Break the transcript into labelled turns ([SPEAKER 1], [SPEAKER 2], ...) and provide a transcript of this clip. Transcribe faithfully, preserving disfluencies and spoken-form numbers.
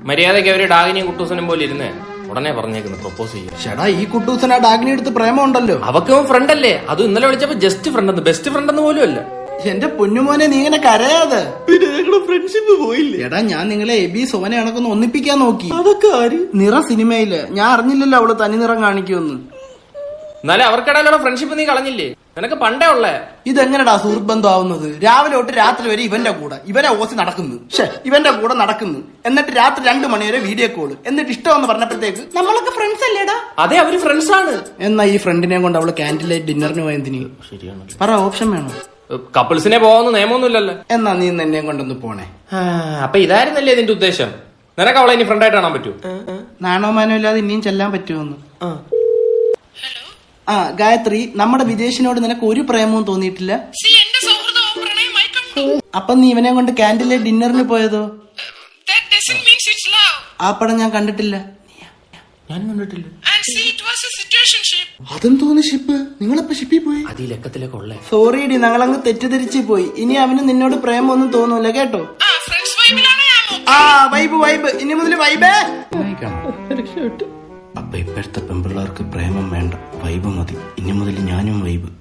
[SPEAKER 1] മര്യാദയ്ക്ക് അവര് ഡാഗിനിയും കുട്ടൂസനും പോലെ ഇരുന്നേ ഉടനെ പറഞ്ഞേക്കുന്നു പ്രപ്പോസ് ചെയ്യും.
[SPEAKER 2] ചേടാ ഈ കുട്ടൂസൻ ആ ഡാഗിനി എടുത്ത് പ്രേമം ഉണ്ടല്ലോ.
[SPEAKER 1] അവക്കും ഫ്രണ്ട് അല്ലേ? അത് ഇന്നലെ വിളിച്ചപ്പോ ജസ്റ്റ് ഫ്രണ്ട് എന്ന്, ബെസ്റ്റ് ഫ്രണ്ട് എന്ന് പോലും അല്ല.
[SPEAKER 2] എന്റെ പൊന്നുമോനെ നീ ഇങ്ങനെ കരയാതെ.
[SPEAKER 3] ഫ്രണ്ട്ഷിപ്പ് പോയില്ലേ?
[SPEAKER 2] എടാ ഞാൻ നിങ്ങളെ എബി സോനെ കണക്കൊന്ന് ഒന്നിപ്പിക്കാൻ നോക്കി.
[SPEAKER 3] അതൊക്കെ ആര്?
[SPEAKER 2] നിറ സിനിമയില് ഞാൻ അറിഞ്ഞില്ലല്ലോ അവള് തനി നിറം കാണിക്കുമെന്ന്.
[SPEAKER 1] എന്നാലും അവർക്കിടയിലുള്ള ഫ്രണ്ട്ഷിപ്പ് നീ കളഞ്ഞില്ലേ? നിനക്ക് പണ്ടേ ഉള്ളേ.
[SPEAKER 2] ഇതെങ്ങനെടാ സുഹൃത്ത് ബന്ധം ആവുന്നത്? രാവിലെ തൊട്ട് രാത്രി വരെ ഇവന്റെ കൂടെ ഇവനെ ഓസി നടക്കുന്നു, ഷേ ഇവന്റെ കൂടെ നടക്കുന്നു, എന്നിട്ട് രാത്രി രണ്ടു മണിവരെ വീഡിയോ കോള്, എന്നിട്ട് ഇഷ്ടമെന്ന് പറഞ്ഞപ്പോഴത്തേക്ക് നമ്മളൊക്കെ ഫ്രണ്ട്സ് അല്ലേടാ.
[SPEAKER 1] അതെ അവര് ഫ്രണ്ട്സ് ആണ്.
[SPEAKER 2] എന്നാ ഈ ഫ്രണ്ടിനെ കൊണ്ട് അവള് ക്യാൻറ്റീൻ ഡിന്നറിന് പോയതിന്
[SPEAKER 1] ശരിയാണ്.
[SPEAKER 2] പറ ഓപ്ഷൻ വേണോ?
[SPEAKER 1] കപ്പിൾസിനെ പോവാന്ന് നിയമമൊന്നുമില്ലല്ലോ.
[SPEAKER 2] എന്നാ നീ എന്നെ കൊണ്ടൊന്ന് പോണേ.
[SPEAKER 1] അപ്പൊ ഇതായിരുന്നല്ലേ ഇതിന്റെ ഉദ്ദേശം? നിനക്ക് അവളെ ഇനി ഫ്രണ്ടായിട്ട് കാണാൻ പറ്റൂ?
[SPEAKER 2] നാണോ മാനോ ഇല്ലാതെ ഇനിയും ചെല്ലാൻ പറ്റുമോന്ന്. ആ ഗായത്രി, നമ്മുടെ വിദേശിനോട് നിനക്ക് ഒരു പ്രേമവും തോന്നിയിട്ടില്ല? അപ്പൊ നീ ഇവനെ കൊണ്ട് ക്യാൻറ്റീനിലെ ഡിന്നറിന് പോയതോ? ആ പടം ഞാൻ കണ്ടിട്ടില്ല.
[SPEAKER 1] ഞാൻ കണ്ടിട്ടില്ല.
[SPEAKER 2] അതും തോന്നി ഷിപ്പ്. നിങ്ങളിപ്പോ ഷിപ്പിൽ പോയി?
[SPEAKER 1] അത് ഈ ലക്കത്തിലൊക്കെ ഉള്ളേ.
[SPEAKER 2] സോറി ഡി, ഞങ്ങളങ്ങ് തെറ്റിദ്ധരിച്ചു പോയി. ഇനി അവന് നിന്നോട് പ്രേമൊന്നും തോന്നൂല കേട്ടോ. ആ വൈബ് വൈബ്, ഇനി മുതൽ വൈബേ. അപ്പൊ ഇപ്പോഴത്തെ പെൺപിള്ളേർക്ക് പ്രേമം വേണ്ട, വൈബ് മതി. ഇനി മുതൽ ഞാനും വൈബ്.